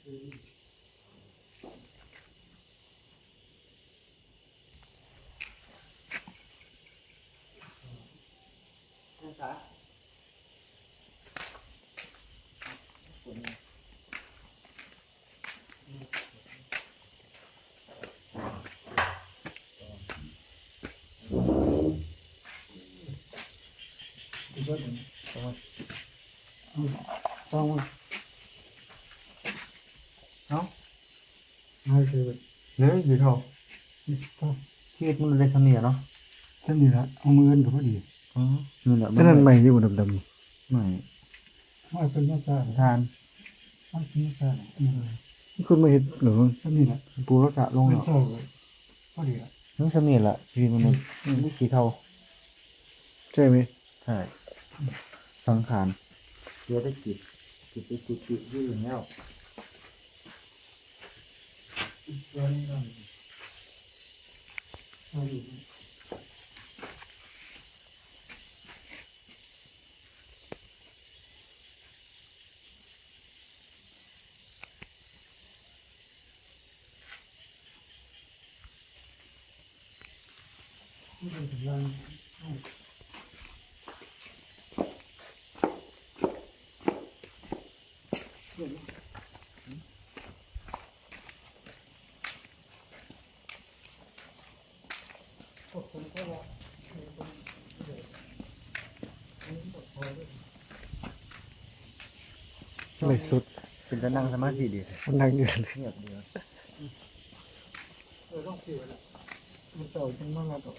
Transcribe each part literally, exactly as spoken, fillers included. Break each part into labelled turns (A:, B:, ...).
A: นะคะต้องเนาะไม่คือเนื้ออยู่เท่าที่มันเลยทำเนี่ยเนาะทำนี่ละเอามือกันกับพอดีอ๋อนี่แหละฉะนั้นใหม่อยู่ดำๆใหม่ไม่เป็นมาจานทานไม่เป็นมาจานนี่คุณมาเห็นหรือทำนี่แหละปูรักษาลงแล้วพอดีละน้องทำนี่แหละชีวิตมนุษย์นี่สีเทาใช่ไหมใช่สังขารเดี๋ยวได้จิตจิตไปจิตจิตยืดแล้วตัวนี้เราเราอยู่ที่เป็นกำลังไม่สุดเป็นจะนั่งสมาธิดีนั่งเงียบเงียบดีเออต้องคิวแล้วมันเต่าจังมากแล้ว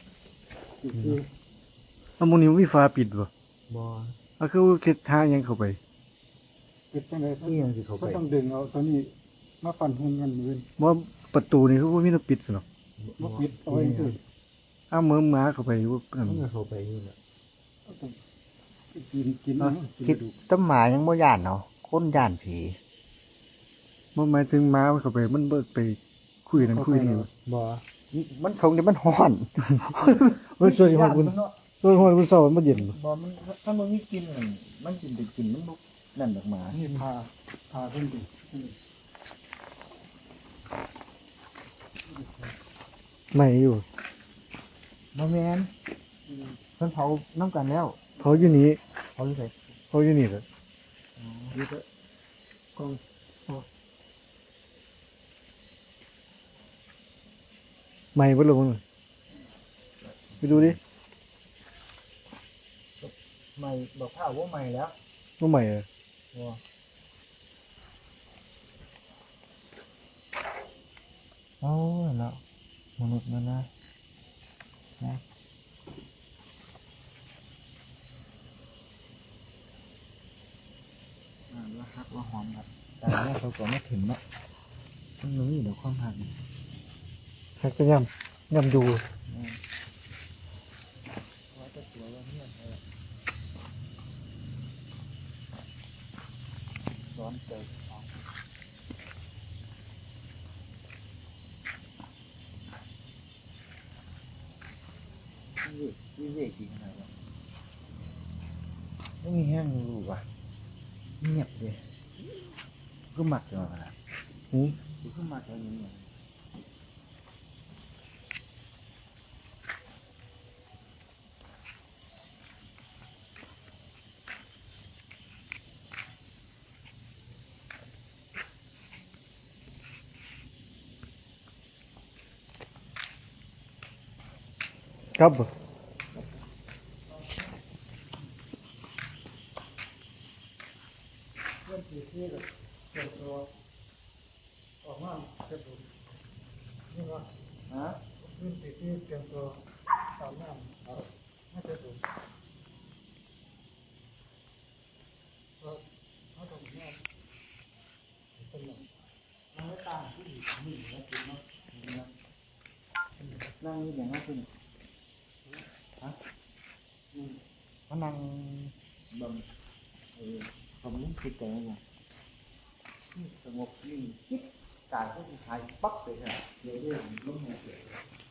A: อ่ะมันนี้มีฟ้าปิดบ่บ่อ่ะคือคิดทางยังเข้าไปปิดจังได๋ที่ยังสิเข้าไปก็ต้องดึงเอาตอนนี้มาปั่นหุ่นกันมื้อบ่ประตูนี่คือบ่มีน้ำปิดหรอกบ่ปิดเอาไว้ซื่ออ้าเมือหมาเข้าไปอยู่นั่นมันเข้าไปอยู่น่ะกินกินคิดต้นหมายังบ่ย่านเนาะคนย่านผีมันหมายถึงหมามันเข้าไปมันเบิดไปคุยนั่นคุยนี่บ่มันคงจะมันฮ้อนมันสวยฮ้อนคุณสวยฮ้อนคุณเศร้ามันเย็นบ่มันถ้ามันมีกินมันกินได้กินมันบ่นั่นดอกหมานี่พาพาเพิ่นดิไม่อยู่บ่แม่นเพิ่นเผาน้ำกันแล้วเผาอยู่นี่เผาอยู่ไสเผาอยู่นี่แหละอ๋ออยู่เด้อกองไม่เบ่ลงไปดูดิไม่บอกข้าวว่าไม่แล้วว่าไม่เหรอว้าโอ้แล้วมนุษย์มันนะนะอ่าว่าฮักว่าหอมแบบแต่เนี่ยเขาก็ไม่ถึงเนาะมันมีเดี๋ยวความหักหักจะย่ำย่ำดูว่าจะตัวว่าเนี่ยร้อนเกินวิเวกจริงนะวะไม่มีแห้งรู้ว่ะเงียบเลยก็หมักจังเลยนะอืมก็หมักอย่างนี้เนี่ยครับเรื่องที่ที่แบบเกิดตัวออกมาเกิดตัวนี่ว่าฮะเรื่องที่ที่เกิดตัวตามน้ำเอาไม่เกิดตัวก็เขาต้องเนี่ยเป็นอย่างนั่งไม่ตามที่ดีนี่นะจริงเนาะนั่งนี่อย่างนั้นเป็นฮะเขานั่งบนเออผมนึกคิดแต่ว่าสงบนิ่งคิดกายก็มีใครปั๊บเลยฮะเดี๋ยวเรื่องล้มหัวเสีย